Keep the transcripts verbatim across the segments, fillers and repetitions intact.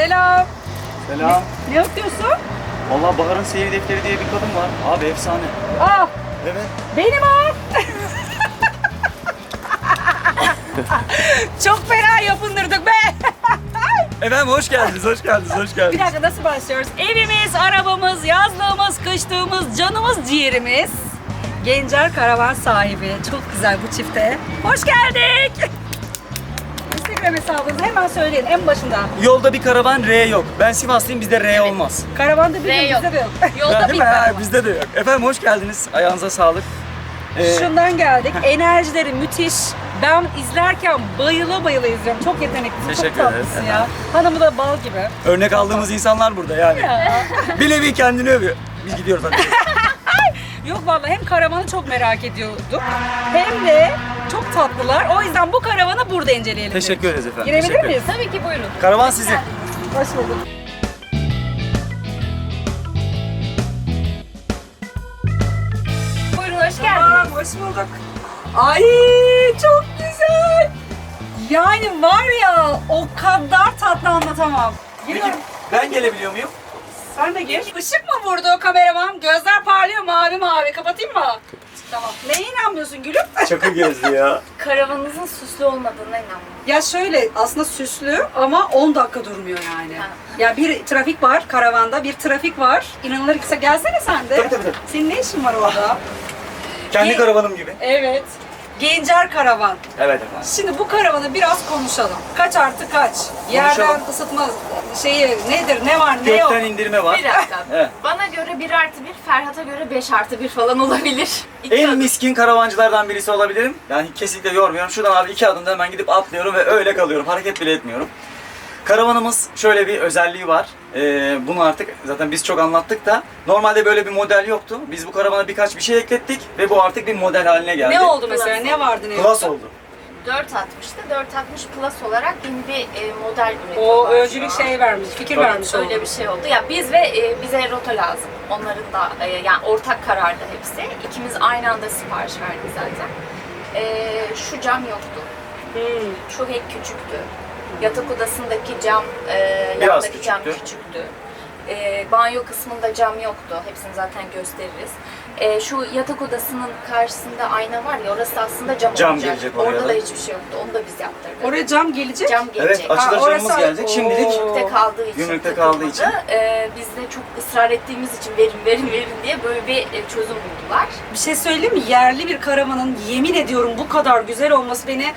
Selam. Selam. Ne yapıyorsun? Vallahi Bahar'ın Seyir Defteri diye bir kadın var. Abi efsane. Aa, Evet. benim o. Çok fena yapındırdık be. Efendim hoş geldiniz, hoş geldiniz, hoş Bir geldiniz. dakika nasıl başlıyoruz? Evimiz, arabamız, yazlığımız, kışlığımız, canımız, ciğerimiz. Gencer karavan sahibi. Çok güzel bu çifte. Hoş geldik. Instagram hesabınızı hemen söyleyin en başında. Yolda bir karavan R yok. Ben Sivaslıyım, bizde R olmaz. Karavanda bir R gün yok. bizde de yok. Yolda Değil bir mi? Ha, karavan. bizde de yok. Efendim hoş geldiniz. Ayağınıza sağlık. Ee, Şundan geldik. Enerjileri müthiş. Ben izlerken bayıla bayıla izliyorum. Çok yeteneklisin, çok Teşekkür ederiz. tatlısın ya. Hanımı da bal gibi. Örnek aldığımız insanlar burada yani. Ya. Bir nevi kendini övüyor. Biz gidiyoruz hadi. Yok vallahi hem karavanı çok merak ediyorduk hem de çok tatlılar. O yüzden bu karavanı burada inceleyelim. Teşekkür dedik. ederiz efendim. Girebilir Teşekkür miyiz? Tabii ki buyurun. Karavan sizin. Hoş bulduk. Buyurun hoş Tamam, geldiniz. hoş bulduk. Ay çok güzel. Yani var ya o kadar tatlı anlatamam. Peki Giriyorum. ben gelebiliyor muyum? Sen de gir. Işık mı vurdu kameraman? Gözler parlıyor mavi mavi. Kapatayım mı? Tamam. Neye inanmıyorsun gülüm? Çakır gezdi ya. Karavanınızın süslü olmadığına inanmıyorum. Ya şöyle aslında süslü ama on dakika durmuyor yani. Ha. Ya bir trafik var karavanda, bir trafik var. İnanılır ki gelsene sen de. Tabii, tabii, tabii. Senin ne işin var orada? Kendi Ge- karavanım gibi. Evet. Gencer karavan. Evet efendim. Şimdi bu karavanı biraz konuşalım. Kaç artı kaç? Yerden ısıtma şeyi nedir, ne var, ne yok? Gökten indirme var. Bir dakika. Evet. Bana göre bir artı bir, Ferhat'a göre beş artı bir falan olabilir. İki En adım. miskin karavancılardan birisi olabilirim. Yani kesinlikle yormuyorum. Şuradan abi iki adımda hemen gidip atlıyorum ve öyle kalıyorum. Hareket bile etmiyorum. Karavanımız şöyle bir özelliği var. Ee, bunu artık zaten biz çok anlattık da normalde böyle bir model yoktu. Biz bu karavana birkaç bir şey eklettik ve bu artık bir model haline geldi. Ne oldu mesela? Ne vardı ne Plus yoktu? oldu. dört altmıştı. dört altmış Plus olarak yeni bir e, model üretiyorlar. O şu öncülük an. şey vermiş, fikir Tabii. vermiş oldu. Öyle bir şey oldu. Ya biz ve e, bize rota lazım. Onların da e, yani ortak karardı hepsi. İkimiz aynı anda sipariş verdik zaten. E, şu cam yoktu. Hmm. Şu hek küçüktü. Yatak odasındaki cam, e, Biraz yandaki cam küçüktü. küçüktü. E, banyo kısmında cam yoktu. Hepsini zaten gösteririz. E, şu yatak odasının karşısında ayna var ya, orası aslında cam, Cam olacak. gelecek oraya Orada da. da hiçbir şey yoktu. Onu da biz yaptırdık. Oraya cam gelecek. Cam gelecek. Evet, açılır Ha, orası- camımız gelecek. Şimdilik Oo. Gümrükte kaldığı için. Gümrükte kaldığı için. takılmadı. E, biz de çok ısrar ettiğimiz için verin verin verin diye böyle bir e, çözüm buldular. Bir şey söyleyeyim mi? Yerli bir karavanın yemin ediyorum bu kadar güzel olması beni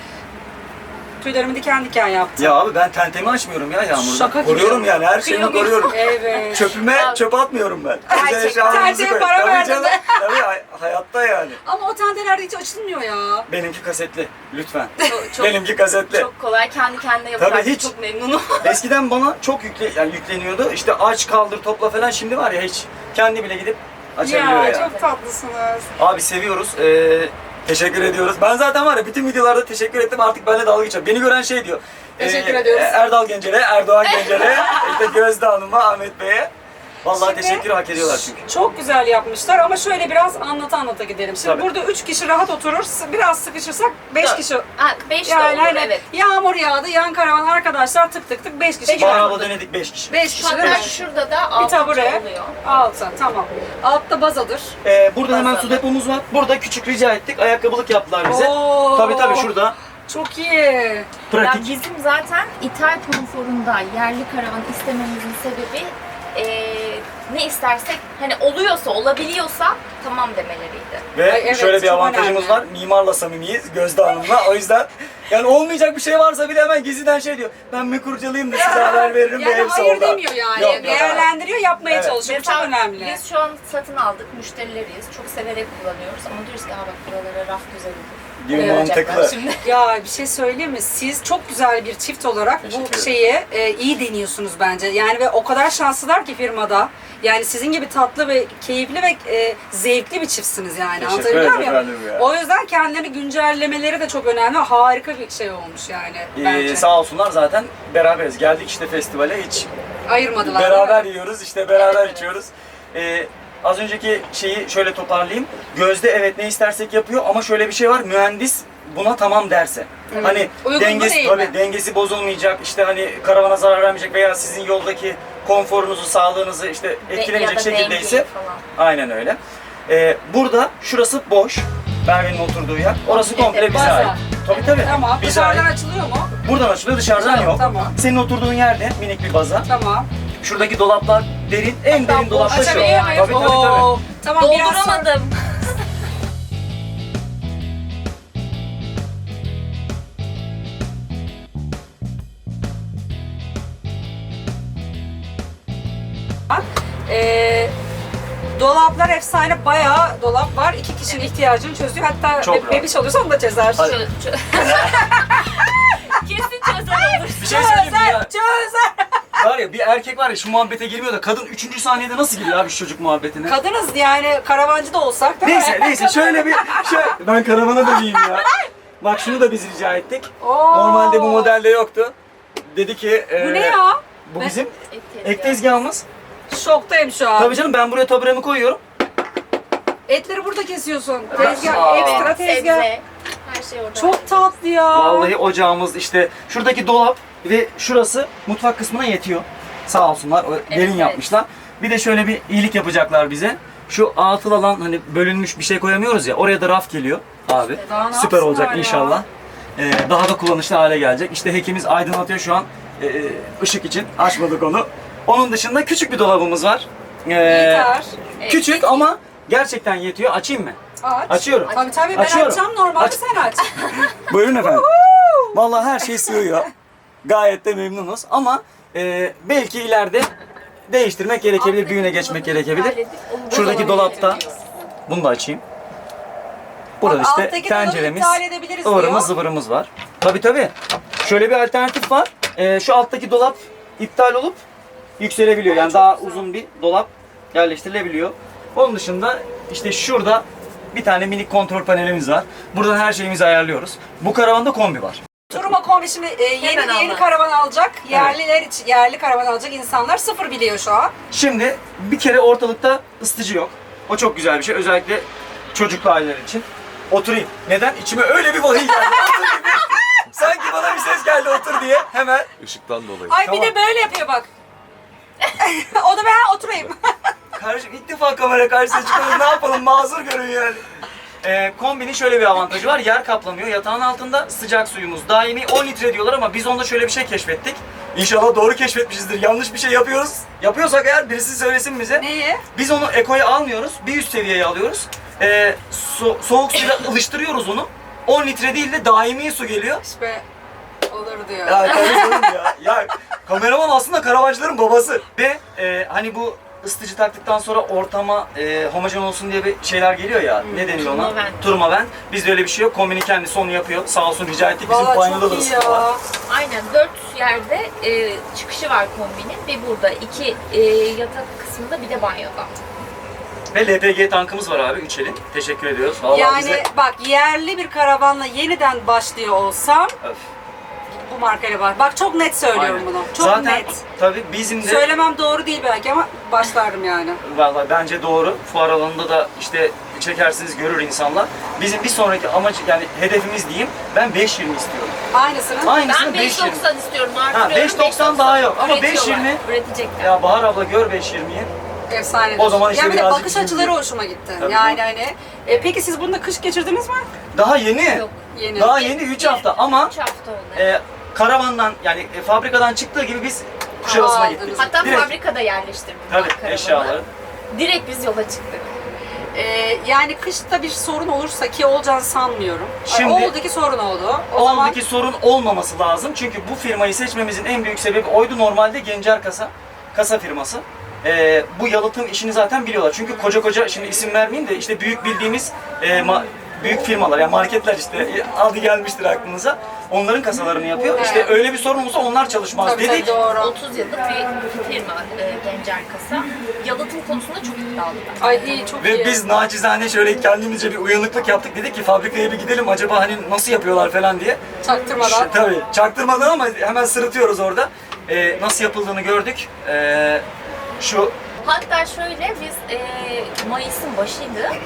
tüylerimi diken diken yaptı. ya abi ben tentemi açmıyorum ya yağmurda. Şaka gibi. Koruyorum yani her şeyimi Kıyamıyorum. koruyorum. Evet. Çöpüme Ya. çöp atmıyorum ben. Gerçekten Özel eşyalarımızı tenteye koy- para Tabii verdin canım. de. Tabii hay- hayatta yani. Ama o tentelerde hiç açılmıyor ya. Benimki kasetli lütfen. Çok, çok, Benimki kasetli. çok kolay. Kendi kendine yapıyor. Tabii hiç. Çok memnunum. Eskiden bana çok yükle, yani yükleniyordu. İşte aç kaldır topla falan, şimdi var ya hiç kendi bile gidip açabiliyor Ya, ya. çok tatlısınız. Abi seviyoruz. Ee, teşekkür ediyoruz. Ben zaten var ya bütün videolarda teşekkür ettim, artık benimle dalga geçiyor. Beni gören şey diyor. Teşekkür ediyoruz. Erdal Gencer'e, Erdoğan Gencer'e, işte Gözde Hanım'a, Ahmet Bey'e. Vallahi Şimdi- teşekkür hak ediyorlar çünkü. Çok güzel yapmışlar ama şöyle biraz anlata anlata gidelim. Şimdi Tabii. burada üç kişi rahat oturur, s- biraz sıkışırsak beş Dört. kişi. Ha, beş de Yani olur, hani evet. yağmur yağdı, yan karavan arkadaşlar tık tık tık beş kişi. Beş Bana var. abla denedik beş kişi. Beş kişi değil Hatta mi? şurada da Bir altıncı tabure, oluyor. altı, tamam. Altta bazadır. Ee, burada hemen Bazen. su depomuz var. Burada küçük rica ettik. Ayakkabılık yaptılar bize. Oo. Tabii tabii şurada. Çok iyi. Ya Pratik. bizim zaten ithal konforunda yerli karavan istememizin sebebi eee, ne istersek hani oluyorsa, olabiliyorsa tamam demeleriydi. Ve Ay, evet, şöyle bir çok avantajımız önemli. var. Mimarla samimiyiz, Gözde Hanım'la. O yüzden yani olmayacak bir şey varsa bile hemen gizliden şey diyor. Ben bir kurcalayayım da size haber veririm ve Yani hepsi hayır orada. demiyor yani. Yok, yok, Değerlendiriyor, yapmaya Evet. çalışıyor. Bu çok Mesela önemli. Biz şu an satın aldık, müşterileriyiz. Çok severek kullanıyoruz ama diyoruz ki ha bak buralara raf güzel olur. Gibi Ne olacaklar mantıklı. Şimdi. Ya bir şey söyleyeyim mi? Siz çok güzel bir çift olarak Teşekkür bu ederim. şeyi e, iyi deniyorsunuz bence. Yani ve o kadar şanslılar ki firmada. Yani sizin gibi tatlı ve keyifli ve e, zevkli bir çiftsiniz yani. Teşekkür Anlatabiliyor ederim muyum? efendim ya. O yüzden kendilerini güncellemeleri de çok önemli. Harika bir şey olmuş yani bence. Ee, sağ olsunlar zaten beraberiz. Geldik işte festivale, hiç Ayırmadılar. beraber değil mi? yiyoruz, işte beraber Evet. içiyoruz. Ee, az önceki şeyi şöyle toparlayayım. Gözde evet ne istersek yapıyor ama şöyle bir şey var. Mühendis buna tamam derse. Evet. Hani Uygun mu dengesi değil tabii mi? dengesi bozulmayacak, işte hani karavana zarar vermeyecek veya sizin yoldaki konforunuzu, sağlığınızı işte etkilemeyecek ya da şekildeyse dengeyi falan. aynen öyle. Ee, burada şurası boş. Merve'nin oturduğu yer. Orası Komple komple bize baza. ait. Tabii tabii. Tamam. Bize Dışarıdan ait. açılıyor mu? Buradan açılıyor, dışarıdan Dışarı, yok. tamam. Senin oturduğun yerde minik bir baza. Tamam. Şuradaki dolaplar derin, en derin dolap da şu. Açabiliyor muyum? Tabii tabii tabii. Oo. Tamam biraz sonra- Dolduramadım. Ee, dolaplar efsane, bayağı dolap var. İki kişinin ihtiyacını çözüyor. Hatta Çok be- rahat. bebiş olursa onu da çözer. Hadi. Çö- çö- Kesin çözer olur. Bir şey söyleyeyim mi Çözer, ya? çözer. Var ya bir erkek var ya şu muhabbete girmiyor da kadın üçüncü saniyede nasıl giriyor abi şu çocuk muhabbetine? Kadınız yani, karavancı da olsak değil Neyse mi? neyse şöyle bir şöyle... Ben karavana döneyim ya. Bak şunu da biz rica ettik. Oo. Normalde bu modelde yoktu. Dedi ki... Bu e, ne ya? Bu Ben- bizim Et ek tezgahımız. Şoktayım şu an. Tabii canım ben buraya taburemi koyuyorum. Etleri burada kesiyorsun. Aa. Tezgah, ekstra Evet, tezgah. sebze. Her şey orada. Çok tatlı ya. Vallahi ocağımız işte şuradaki dolap ve şurası mutfak kısmına yetiyor. Sağ olsunlar o derin evet. yapmışlar. Bir de şöyle bir iyilik yapacaklar bize. Şu atıl alan hani bölünmüş bir şey koyamıyoruz ya oraya da raf geliyor abi. Daha ne Süper olacak yapsınlar ya? inşallah. Ee, daha da kullanışlı hale gelecek. İşte hekimiz aydınlatıyor şu an e, ışık için. Açmadık onu. Onun dışında küçük bir dolabımız var. Ee, Yeter. küçük ama gerçekten yetiyor. Açayım mı? Aç. Açıyorum. Tabii tabii, ben Açıyorum. açacağım, normalde Aç. sen aç. Buyurun efendim. Vallahi her şey sığıyor. Gayet de memnunuz ama e, belki ileride değiştirmek gerekebilir, büyüğüne geçmek gerekebilir. Şuradaki dolapta, bunu da açayım. Burada Bak, işte alttaki dolabı tenceremiz, iptal edebiliriz ıvırımız diyor. zıvırımız var. Tabii tabii. Şöyle bir alternatif var. E, şu alttaki dolap iptal olup yükselebiliyor. Yani daha uzun bir dolap yerleştirilebiliyor. Onun dışında işte şurada bir tane minik kontrol panelimiz var. Buradan her şeyimizi ayarlıyoruz. Bu karavanda kombi var. Turuma kombi şimdi e, yeni Hemen yeni anlat. karavan alacak. Yerliler için, yerli karavan alacak insanlar sıfır biliyor şu an. Şimdi bir kere ortalıkta ısıtıcı yok. O çok güzel bir şey. Özellikle çocuklu aileler için. Oturayım. Neden? İçime öyle bir vahiy geldi. Otur gibi. Sanki bana bir ses geldi otur diye. Hemen. Işıktan dolayı. Ay Tamam. bir de böyle yapıyor bak. O da ben oturayım. Kardeşim ilk defa kamera karşısına çıkıyoruz. Ne yapalım? Mazur görün yani. Ee, kombinin şöyle bir avantajı var. Yer kaplamıyor. Yatağın altında sıcak suyumuz daimi on litre diyorlar ama biz onda şöyle bir şey keşfettik. İnşallah doğru keşfetmişizdir. Yanlış bir şey yapıyoruz. Yapıyorsak eğer birisi söylesin bize. Neyi? Biz onu ekoya almıyoruz. Bir üst seviyeye alıyoruz. Ee, so- soğuk suyla ılıştırıyoruz onu. on litre değil de daimi su geliyor. İşte olur diyor. Ya kardeşim ya. Ya kameraman aslında karavancıların babası. Ve e, hani bu ısıtıcı taktıktan sonra ortama e, homojen olsun diye bir şeyler geliyor ya. Ne deniyor ona? Turmavent. Turmavent. Bizde öyle bir şey yok. Kombinin kendisi onu yapıyor. Sağ olsun rica ettik. Bizim Valla banyoda çok da iyi ısıtıyorlar. ya. Aynen dört yerde e, çıkışı var kombinin ve burada iki e, yatak kısmında bir de banyoda. Ve L P G tankımız var abi. Üç elin. Teşekkür ediyoruz. Vallahi Yani bize... bak, yerli bir karavanla yeniden başlıyor olsam Öf. bu markayla var. Bak çok net söylüyorum Aynen. bunu. Çok Zaten net. tabii bizim de Söylemem doğru değil belki ama başlardım yani. vallahi bence doğru. Fuar alanında da işte çekersiniz görür insanlar. Bizim bir sonraki amaç yani hedefimiz diyeyim. Ben beş yirmi istiyorum. Aynısını. Aynısını Ben beş beş yirmi. doksan istiyorum. Ha, Artırıyorum. beş doksan daha yok ama beş Üretiyorlar, yirmi. Üretecekler. Ya Bahar abla gör beş yirmiyi. Efsanedir. O zaman işte ya bir de birazcık bakış bizim açıları gibi. hoşuma gitti. Tabii yani canım. hani e, peki siz bunda kış geçirdiniz mi? Daha yeni. Yok. Yeni. Daha yeni üç hafta ama üç hafta oldu. e, karavandan yani e, fabrikadan çıktığı gibi biz Kuşadası'na Aa, gittik. Hatta Direkt. fabrikada yerleştirdim. Tabii karavanı. eşyaları. Direkt biz yola çıktık. E, yani kışta bir sorun olursa, ki olacağını sanmıyorum. Şimdi- Ay, oldu ki sorun oldu. O O zaman andaki sorun olmaması lazım. Çünkü bu firmayı seçmemizin en büyük sebebi oydu. Normalde Gencer Kasa, kasa firması. Ee, bu yalıtım işini zaten biliyorlar. Çünkü koca koca, şimdi isim vermeyeyim de işte büyük bildiğimiz e, ma- büyük firmalar, yani marketler işte e, adı gelmiştir aklınıza. Onların kasalarını yapıyor. İşte Evet. öyle bir sorun olsa onlar çalışmaz tabii, dedik. tabii, doğru. otuz yıllık bir firma e, Gencer Kasa. Yalıtım konusunda çok iddialılar. Ay iyi, çok iyi. Ve biz nacizane şöyle kendimizce bir uyanıklık yaptık. Dedik ki fabrikaya bir gidelim acaba hani nasıl yapıyorlar falan diye. Çaktırmadan. Ş- Tabii çaktırmadan ama hemen sırıtıyoruz orada. Ee, nasıl yapıldığını gördük. Ee, şu Hatta şöyle biz e, Mayıs'ın başıydı.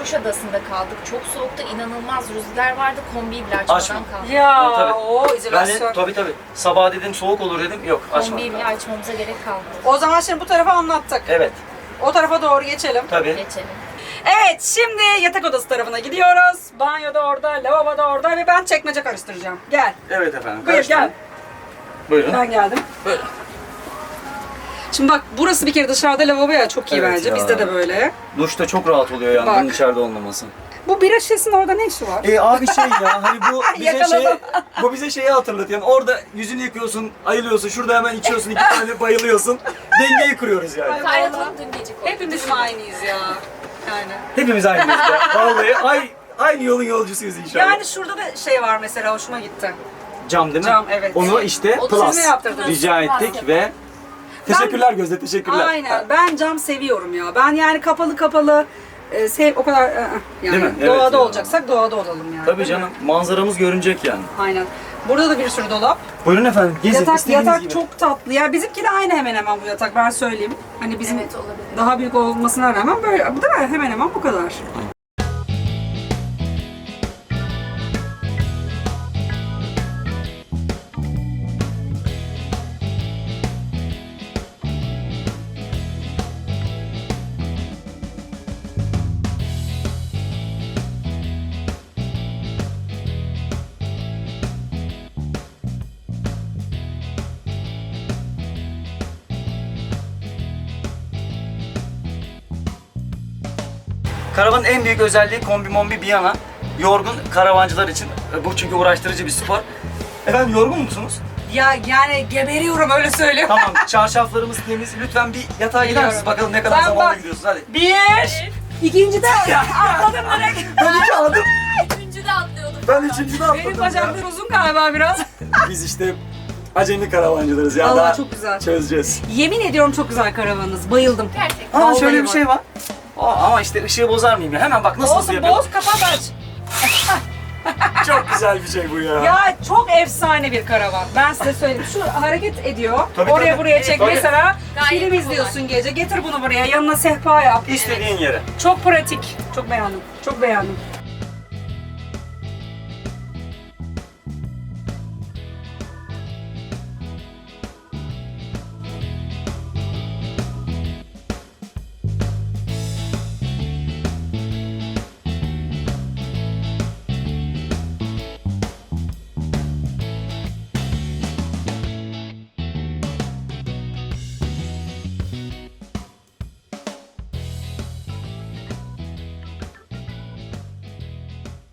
Kuşadası'nda kaldık. Çok soğukta inanılmaz rüzgar vardı. Kombiyi bile açmadan Açma. kaldık. Ya Tabii. o Ben de izolasyon. tabii tabii. Sabah dedim soğuk olur dedim. Yok açmadım. Kombiyi bile açmamıza gerek kalmadı. O zaman şimdi bu tarafa anlattık. Evet. O tarafa doğru geçelim. Tabii. Geçelim. Evet, şimdi yatak odası tarafına gidiyoruz. Banyo da orada, lavabo da orada ve ben çekmece karıştıracağım. Gel. Evet efendim. Buyur karıştırın. gel. Buyurun. Ben geldim. Buyurun. Şimdi bak burası bir kere dışarıda lavabo ya, çok iyi Evet bence. ya. Bizde de böyle. Duşta çok rahat oluyor yani Bak. bunun içeride olmaması. Bu bira şişesinin orada ne işi var? E abi şey ya hani bu bize Yakaladım. şey bu bize şeyi hatırlatıyor. Yani orada yüzünü yıkıyorsun, ayılıyorsun, şurada hemen içiyorsun, iki tane bayılıyorsun. Dengeyi kuruyoruz yani. Kaynatalım dün gece koyduk. Hepimiz mi aynıyız ya? Yani. Hepimiz aynıyız ya. Vallahi ay, aynı yolun yolcusuyuz inşallah. Yani şurada da şey var mesela, hoşuma gitti. Cam değil mi? Cam, evet. Onu işte O Plus siz mi yaptırdınız? rica ettik ve teşekkürler Gözde, teşekkürler. Aynen. Ben cam seviyorum ya. Ben yani kapalı kapalı e, sev o kadar e, yani Değil mi? Evet doğada ya. olacaksak doğada olalım yani. Tabii değil canım, mi? manzaramız görünecek yani. Aynen. Burada da bir sürü dolap. Buyurun efendim, gezin Yatak istediğiniz yatak gibi. çok tatlı. Ya bizimki de aynı hemen hemen bu yatak, ben söyleyeyim. Hani bizim Evet, olabilir. daha büyük olmasına rağmen böyle, bu da hemen hemen bu kadar. Karavanın en büyük özelliği kombi mombi bir yana. Yorgun karavancılar için e, bu çünkü uğraştırıcı bir spor. Efendim yorgun musunuz? Ya yani geberiyorum, öyle söyleyeyim. Tamam, çarşaflarımız temiz. Lütfen bir yatağa gider misiniz? Gidiyorum. Bakalım ne kadar Ben zamanda bak- gidiyorsunuz. Hadi. Bir, ikinci de atladım direkt. Ben iki adım. Üçüncü de atlıyorduk. Ben üçüncüde atladım. Benim ya. bacaklar uzun galiba biraz. Biz işte acemi karavancılarız ya. Vallahi Daha çok güzel. çözeceğiz. Yemin ediyorum çok güzel karavanınız. Bayıldım. Gerçekten. Aa Vallahi şöyle bir bak. şey var. Aa, ama işte ışığı bozar mıyım ya? Hemen bak nasıl hızlı Olsun, yapıyorum. boz, kapat, aç. Çok güzel bir şey bu ya. Ya çok efsane bir karavan. Ben size söyleyeyim. Şu hareket ediyor. Tabii, Oraya tabii. buraya çek. Tabii. Mesela Gayet film kolay. izliyorsun gece. Getir bunu buraya. Yanına sehpa yap. İstediğin yere. Çok pratik. Çok beğendim. Çok beğendim.